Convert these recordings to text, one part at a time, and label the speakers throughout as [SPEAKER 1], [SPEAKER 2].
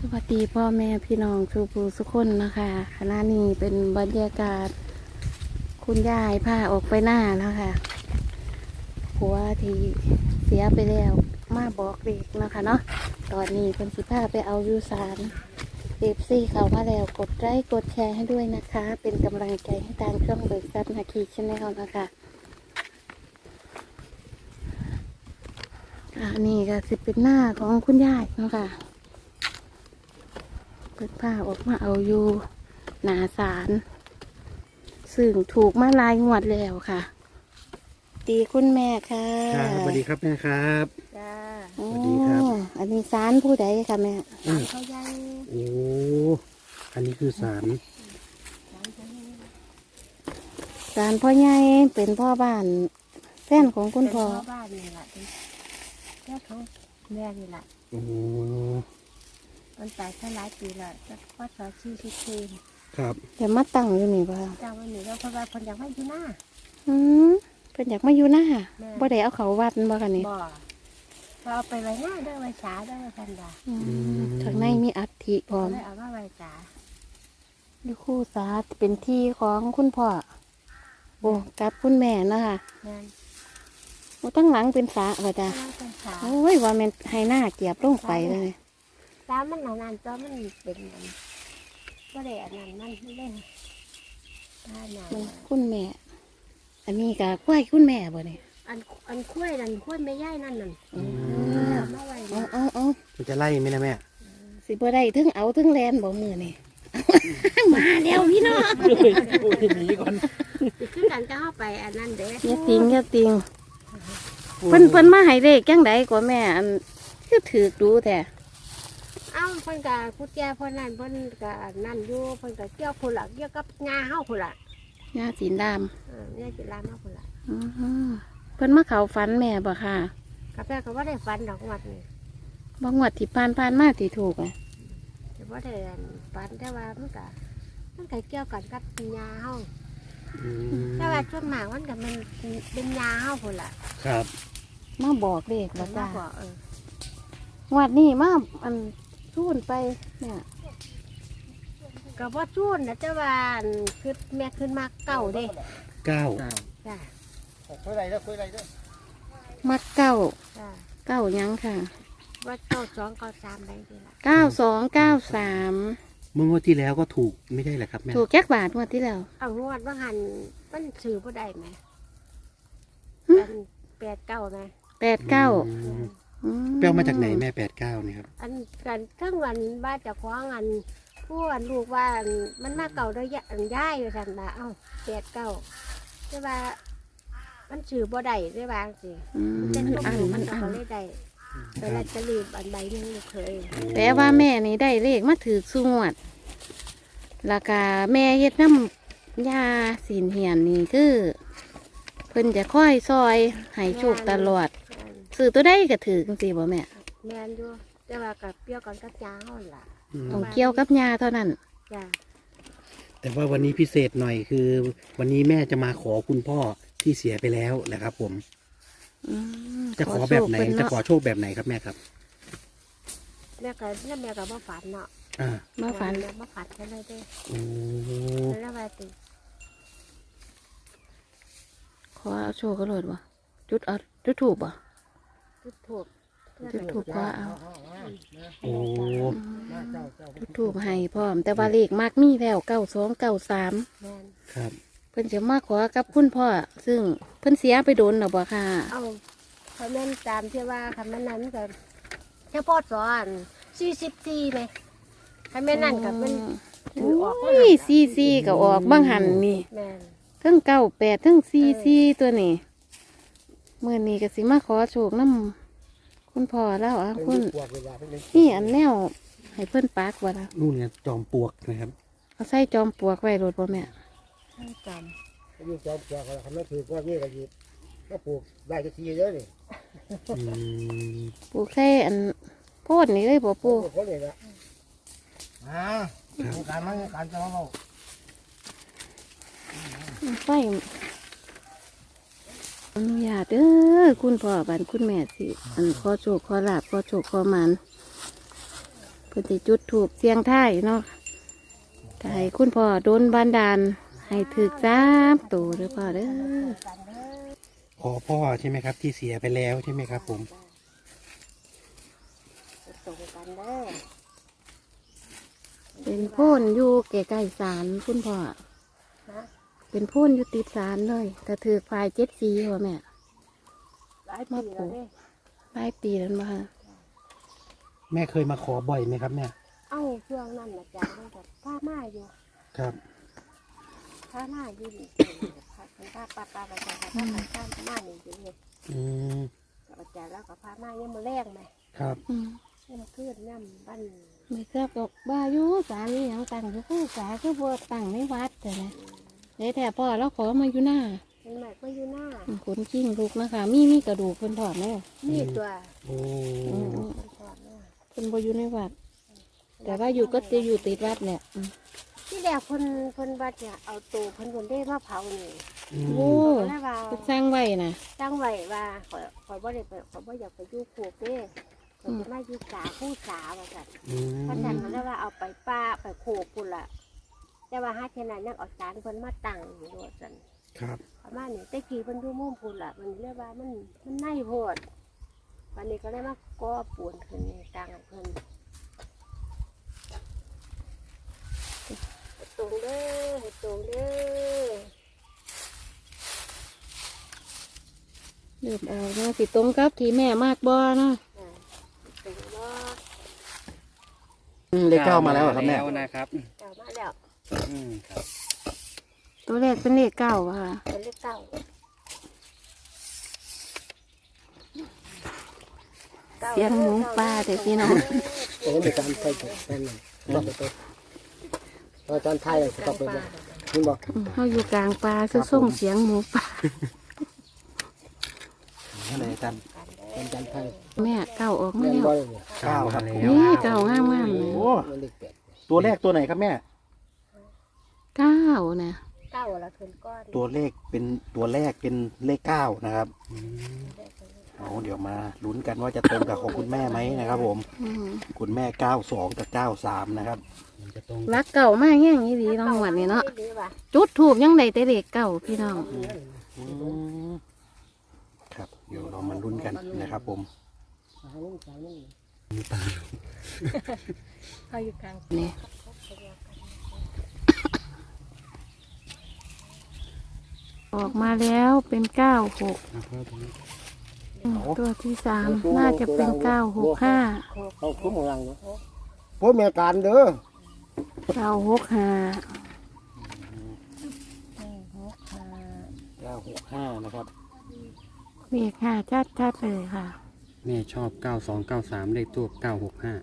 [SPEAKER 1] วัสดีพ่อแม่พี่น้องทุกผู้ทุกคนนะคะขณะนี้เป็นบรรยากาศคุณยายพาออกไปหน้านะคะผัวที่เสียไปแล้วมาบอกเด็กนะคะเนาะตอนนี้เป็นสิพาไปเอายูสารFCเข้ามาแล้วกดไลค์กดแชร์ให้ด้วยนะคะ เป็นกำลังใจให้ทางช่องเบิกทรัพย์นาคีชแนลนะคะอันนี้ก็สิเป็นหน้าของคุณยายเนาะค่ะเปิดผ้าออกมาเอาอยู่หนาสารซึ่งถูกมาลายงวดแล้วค่ะดีคุณแม่ค่ะ
[SPEAKER 2] ครับสวัสดีครับแม่ครับ
[SPEAKER 3] จ้า
[SPEAKER 1] โอ้
[SPEAKER 2] สวัสดีครับ
[SPEAKER 1] อันนี้สารผู้ใดค่ะแม่
[SPEAKER 3] เขาใหญ่
[SPEAKER 2] โอ้อันนี้คือสาร
[SPEAKER 1] สารพ่อใหญ่เป็นพ่อบ้านแฟนของคุณพ่อ
[SPEAKER 3] เป็นบ้านนี่แหละเป็นเจ้าของแม่นี่แหละ
[SPEAKER 2] โอ้
[SPEAKER 3] มันตายแค่หลายปีและจะว่าสอชีพ
[SPEAKER 2] ครับ
[SPEAKER 1] แต่มาตั้งอยู่นี่ป่ะ
[SPEAKER 3] เจ้าวันนี้เราเพราะว่าคนอยากให้อยู่หน้า
[SPEAKER 1] อืมเป็นอยากมาอยู่หน้า
[SPEAKER 3] แม่
[SPEAKER 1] บ่ได้เอาเขาวัดบ่ค่ะนี่
[SPEAKER 3] บ่เราเอาไปไว้หน้าเด้อไว้ฉาเด้อพันดา
[SPEAKER 1] อืมข้างในมีอัฐิพร้อม
[SPEAKER 3] เลยเอามาไว้ฉา
[SPEAKER 1] อยู่คู่สาเป็นที่ของคุณพ่อโอ้กับคุณแม่นะคะ
[SPEAKER 3] แม่น
[SPEAKER 1] โอ้ตั้งหลังเป็นสาว่าจ้ะ
[SPEAKER 3] นั่งเป็นฉา
[SPEAKER 1] โอ้ยว่าแมันให้หน้าเกียบลงไปเลย
[SPEAKER 3] ตามันนานๆตัวมันเป็นมันก็ได้อันนั้นมันเล่นถ้าหนา
[SPEAKER 1] มันคุณแม่ อันนี้ก็ควายคุณแม่บ่เนี่ย
[SPEAKER 3] อันคุ้ยนั่นคุ้ยไม่ย่ายนั่นนั่น
[SPEAKER 1] อืม
[SPEAKER 3] เอามาไว้
[SPEAKER 1] เอา
[SPEAKER 2] มันจะไล่ไหมนะแม่
[SPEAKER 1] สิบ่ได้ถึงเอาถึงแลนบ่มือนี่ มาแล้วพี่น้อง
[SPEAKER 2] พูดหนีก่อน
[SPEAKER 3] คือกันจะเข้าไปอันนั้นเด้
[SPEAKER 1] อย่าติงอย่าติงเพิ่นมาให้เลขจังไดกว่าแม่ อันคือถือดูแท้
[SPEAKER 3] เอ้าเพิ่นก็พุทธยาเพิ่นนั่นเพิ่นก็นั่นอยู่เพิ่นก็เกี่ยวพุ่นละเกี่ยวกับงาเฮาพุ่นละ
[SPEAKER 1] ยาสีด
[SPEAKER 3] เนี่ยจิลามาพุ่นละ
[SPEAKER 1] ำอือฮึเพิ่นมาเข้าฝันแม่บ่ค่ะ
[SPEAKER 3] กาแฟก็บ่ได้ฝันดอกวัดนี่
[SPEAKER 1] บ่งวดที่ผ่านมาที่ถูกอ่ะ
[SPEAKER 3] แต่บ่ได้ฝันแต่ว่ามันก็เกี่ยวกันกับงาเฮา
[SPEAKER 2] อืม
[SPEAKER 3] แต่ว่าส่วนมากมันก็มันเป็นงาเฮาพุ่นละ
[SPEAKER 2] ครับ
[SPEAKER 1] มาบอกเลขบ่
[SPEAKER 3] มา
[SPEAKER 1] จ้า
[SPEAKER 3] บอก
[SPEAKER 1] งวดนี้มาอันซูนไปเนี่ย
[SPEAKER 3] ก็บ่จูนนะแต่ว่าอันคือแม่ขึ้นมาเก่าเด้
[SPEAKER 2] เก้า
[SPEAKER 3] จ้า
[SPEAKER 2] คุยอะไรเด้อคุยอะไรเด้อ
[SPEAKER 1] มักเก้า
[SPEAKER 3] จ้า
[SPEAKER 1] เก้าหยังค่ะ
[SPEAKER 3] ว่าเก้าสองเก้าสามได้ดีละ
[SPEAKER 1] 9293
[SPEAKER 2] เมื่องวดที่แล้วก็ถูกไม่ใช่เหรอครับแม่
[SPEAKER 1] ถูกแก๊กบาทงวดที่แล้ว
[SPEAKER 3] เอางวดว่าหันมันซื้อบ่ได้ไหม
[SPEAKER 1] หึ
[SPEAKER 3] อัน89ไหม
[SPEAKER 1] 89
[SPEAKER 2] อืมแปลมาจากไหนแม่89เนี่ยครับ
[SPEAKER 3] อันกันทั้งวันบ้านเจะคว้าของอันผู้อันลูกว่าอันมันมาเก่าได้ยะอันย้ายอยู่ทันละเอ้า89แต่ว่ามันซื้อบ่ได้ได้บางสิ
[SPEAKER 1] อืม
[SPEAKER 3] เส้น
[SPEAKER 1] มัน
[SPEAKER 3] ลูก
[SPEAKER 1] อัน
[SPEAKER 3] มั
[SPEAKER 1] มัน น
[SPEAKER 3] ก็
[SPEAKER 1] อัน
[SPEAKER 3] เลยได้แต่ละจะรีบอันใบหนึงลูกเคย
[SPEAKER 1] แต่ว่าแม่นี่ได้เลขมาถือสูงวดราคาแม่เฮ็ดน้ำยาสีนเหียนนี่คือเพิ่นจะค่อยซอยให้โชคตลอด
[SPEAKER 3] อัน
[SPEAKER 1] ซื้อตัวได้ก็ถือจังซี่บ่แม่
[SPEAKER 3] แม่นอยู่แต่ว่ากับเปรี้ยวกันกับยาเฮาล่ะ
[SPEAKER 2] อืม
[SPEAKER 1] ต้องเกี่ยวกับยาเท่านั้น
[SPEAKER 3] จ้า
[SPEAKER 2] แต่ว่าวันนี้พิเศษหน่อยคือ วันนี้แม่จะมาขอคุณพ่อที่เสียไปแล้วนะครับผม
[SPEAKER 1] อืม
[SPEAKER 2] จะขอแบบไหน
[SPEAKER 1] โชคเพิ่
[SPEAKER 2] จะ
[SPEAKER 1] เา
[SPEAKER 2] ขอโชคแบบไหนครับแม่ครับ
[SPEAKER 3] แม่ก็บ่ฝันเนาะ
[SPEAKER 2] อ่า
[SPEAKER 1] มาฝัน
[SPEAKER 3] แม่บ่ฝันกันเลยเด้
[SPEAKER 2] โอ้
[SPEAKER 3] แล้วว่าติ
[SPEAKER 1] ขอเอาโชคก็โลดบ่จุดเอาจุดถูกบ่
[SPEAKER 3] จุดถูก
[SPEAKER 1] จุดถูกขอเอา
[SPEAKER 2] โอ้
[SPEAKER 1] จุดถูกให้พร้อม แต่ว่าเลขมากมีแล้ว9293
[SPEAKER 3] แม่น
[SPEAKER 2] ครับ
[SPEAKER 1] เพิ่นจะมาขอกับคุณพ่อซึ่งเพิ่นเสียไปโดนหรอบ่ค่ะ
[SPEAKER 3] เอาคำนั้นตามที่ว่าคำนั้นก็เฉพาะสอน44ไหมคำนั้นกับมัน
[SPEAKER 1] โอ้ยซีก็ออกบางหันนี่
[SPEAKER 3] แม่น
[SPEAKER 1] ทั้ง98ทั้งซีตัวนี้มื้อนี้ก็สิมาขอโชคนํคุณพ่อแล้วอ่ะคุณนี่อันแนวให้เพิ่นปากว่าล่ะ
[SPEAKER 2] นู่นไงจอมปลวกนะครับ
[SPEAKER 1] เอาใส่จอมปลวกไว้รถบ่แม่
[SPEAKER 3] ให้จ
[SPEAKER 4] ยิ่งจอมปลวกอะไรคำนั้นถือว่านี่ก็ยิบก็ปลูกได้ก็ทีเยอะนี่
[SPEAKER 2] อืม
[SPEAKER 1] ปลูกใส่อันโพดนี่เลยบ่
[SPEAKER 4] ปลู
[SPEAKER 1] ปู่
[SPEAKER 4] กคนนี้ละการมันการจะมา
[SPEAKER 1] ไฟอนุญาตเด้อคุณพ่อบันคุณแม่สิอันขอโชคขอลาบขอโชคขอหมันพิ่นสิจุดถูกเสียงท้ายเนาะก็ให้คุณพ่อโดนบันดาลให้ถึก3ตัวเด้อพ่อเด้อ
[SPEAKER 3] กันเด้อ
[SPEAKER 2] ขอพ่อใช่ไหมครับ ที่เสียไปแล้วใช่ไหมครับผม
[SPEAKER 3] ตรงกันเด้อ
[SPEAKER 1] เป็นโพ่นอยู่ใกล้ๆศาลคุณพ่อ
[SPEAKER 3] นะ
[SPEAKER 1] เป็นโพ่นอยู่ติดศาลเลยแต่ถือฝ่าย7 สีว่ะแม่
[SPEAKER 3] หลายปีแล้วเด้
[SPEAKER 1] หลายปีแล้วมา
[SPEAKER 2] แม่เคยมาขอบ่อยไหมครับแม่
[SPEAKER 3] เอ้าช่วงนั้นอาจารย์มันก็ผ้ามาอยู่
[SPEAKER 2] ครับ
[SPEAKER 3] ผ้ามาอยู่นี่ผ้าปาไปจ้ะผ้ามานี่อยู่นี่
[SPEAKER 2] อืม
[SPEAKER 3] กับอาจารย์แล้วก็ผ้ามายังมาแรงไหม
[SPEAKER 2] ครับ
[SPEAKER 3] ยังมาขึ้นน้ำบ้าน
[SPEAKER 1] ไม่ทราบบอกว่าอยู่ศาลนี่ยังตั้งอยู่คู่ศาลคือบัวตั้งในวัดแต่นะเดี๋ยวแต่พ่อเราขอมาอยู่หน้า
[SPEAKER 3] เป็นใหม่ก็อยู่หน้า
[SPEAKER 1] ขนกิ้งลูกนะคะมีกระดูกเพิ่นถอดไหม
[SPEAKER 3] นี่ตัว
[SPEAKER 2] โอ้
[SPEAKER 3] มันถอดหน้า
[SPEAKER 1] เพิ่นบ่อยู่ในวัด แต่ว่าอยู่ก็จะอยู่ติดวัดเนี่ย
[SPEAKER 3] ที่แรกคนวัดเนี่ยเอาตัวคนได้มาเผานี่
[SPEAKER 2] อืม
[SPEAKER 1] โอ้
[SPEAKER 3] แล้วว่า
[SPEAKER 1] เพิ่นสร้างไว้นะ
[SPEAKER 3] ตั้งไว้ว่าขอยบ่ได้ไปขอยบ่อยากไปอยู่โคกเด้ขอยจะมาอยู่สาผู้สาว่าซั่น
[SPEAKER 2] อืม
[SPEAKER 3] เพราะฉะนั้นเขาเรียกว่าเอาไปป้าไปโคกพุ่นล่ะแต่ว่าหาเท่านั้นยังเอาสารเพิ่นมาตั้งอยู่ว่าซั่น
[SPEAKER 2] ครับ
[SPEAKER 3] ประมาณนี้แต่กี้เพิ่นอยู่มุมพุ่นล่ะมันเรียกว่ามันในโพดวันนี้ก็เลยมาก่อปูนขึ้นนี่ตั้งให้เพิ่นให้ตรงเด้อให้ตรงเด้อ
[SPEAKER 1] เริ่มออกมาสิตรงกับที่แม่มากบ่เนาะ
[SPEAKER 3] อ่าตรงบ่
[SPEAKER 2] เลขเก้ามาแล้วเหรอครับแม่
[SPEAKER 5] แล้วนะครับ
[SPEAKER 3] เก่ามาแล้ว
[SPEAKER 5] ครับ
[SPEAKER 1] ตัวแรกเป็นเลข9ค่ะ
[SPEAKER 3] เป็นเลขเก้า
[SPEAKER 1] เสียงหมูป่าเด็กพี่น้อง
[SPEAKER 4] โอ้มีการไปแป้นเลยต้องไปตัวอาจารย์ไทยต้องไปเลยคุณบอก
[SPEAKER 1] เฮาอยู่กลางป่าคือส่งเสียงหมูป่า
[SPEAKER 2] อะไรอาจารย์
[SPEAKER 4] อาจารย์ไทย
[SPEAKER 1] แม่เก้าออกมา
[SPEAKER 4] แม่น
[SPEAKER 1] แล้ว
[SPEAKER 4] บ่เลยเนี่ย
[SPEAKER 2] เก้าครับ
[SPEAKER 1] นี่เก้างามๆเลย
[SPEAKER 2] โอ้
[SPEAKER 4] มันเลขแปด
[SPEAKER 2] ตัวแรกตัวไหนครับแม่
[SPEAKER 1] 9นะ
[SPEAKER 3] เก้าละขึ้นก้อน
[SPEAKER 2] ตัวเลขเป็นตัวแรกเป็นเลขเก้านะครับเอาเดี๋ยวมาลุ้นกันว่าจะตรงกับของคุณแม่ไหมนะครับ ผม
[SPEAKER 1] อืม
[SPEAKER 2] คุณแม่92กับ93นะครับจะตรง
[SPEAKER 1] รักเก่ามากแง่งนี้ดีน้องหวดนี่เนาะ
[SPEAKER 3] ดีว่ะ
[SPEAKER 1] จุดถูกยังได้แต่เลขเก่าพี่น้อง
[SPEAKER 2] ครับเดี๋ยวเรามาลุ้นกันนะครับ ผม
[SPEAKER 3] เขาอยู่กลาง
[SPEAKER 1] นี่ออกมาแล้วเป็น96ตัวที่3น่าจะเป็น965
[SPEAKER 4] เขาคุ้มของรังเนาะพวกแม่การเด้อ
[SPEAKER 1] 965
[SPEAKER 2] 965นะครับ
[SPEAKER 1] เลข5ชัดๆเลยค่ะ
[SPEAKER 5] แม่ชอบ 9293 เลขตัว965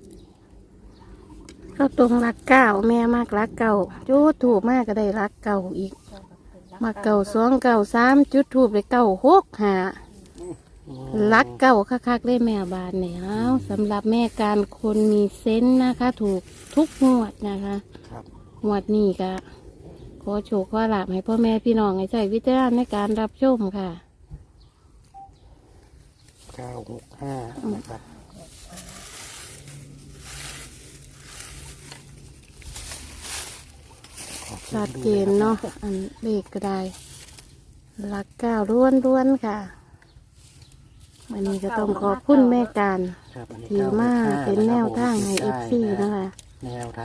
[SPEAKER 1] ก็ตรงรักเก้าแม่มากรักเก่าจุดถูกมากก็ได้รักเก่าอีก มาเก่า2 9 3จุดถูกเลย965รักเก่าคักๆได้แม่บานเนี่ยเอาสำหรับแม่การคนมีเซนส์นะคะ ถูกทุกงวดนะคะ
[SPEAKER 2] ครับ
[SPEAKER 1] งวดนี้ก็ขอโชคขอลาภให้พ่อแม่พี่น้องให้ใช้วิจารณญาณในการรับชมค่ะ
[SPEAKER 2] 965นะครับ
[SPEAKER 1] ชัดเจนเนาะอันเลขก็ได้รักเก้าล้วนๆค่ะวันนี้ก็ต้องขอบคุณแม่การ
[SPEAKER 2] ครับอันนี้
[SPEAKER 1] ที่มา
[SPEAKER 2] 965
[SPEAKER 1] เป็นแนวทางให้
[SPEAKER 2] นะครับผม
[SPEAKER 1] FC นะคะ
[SPEAKER 2] แนวทาง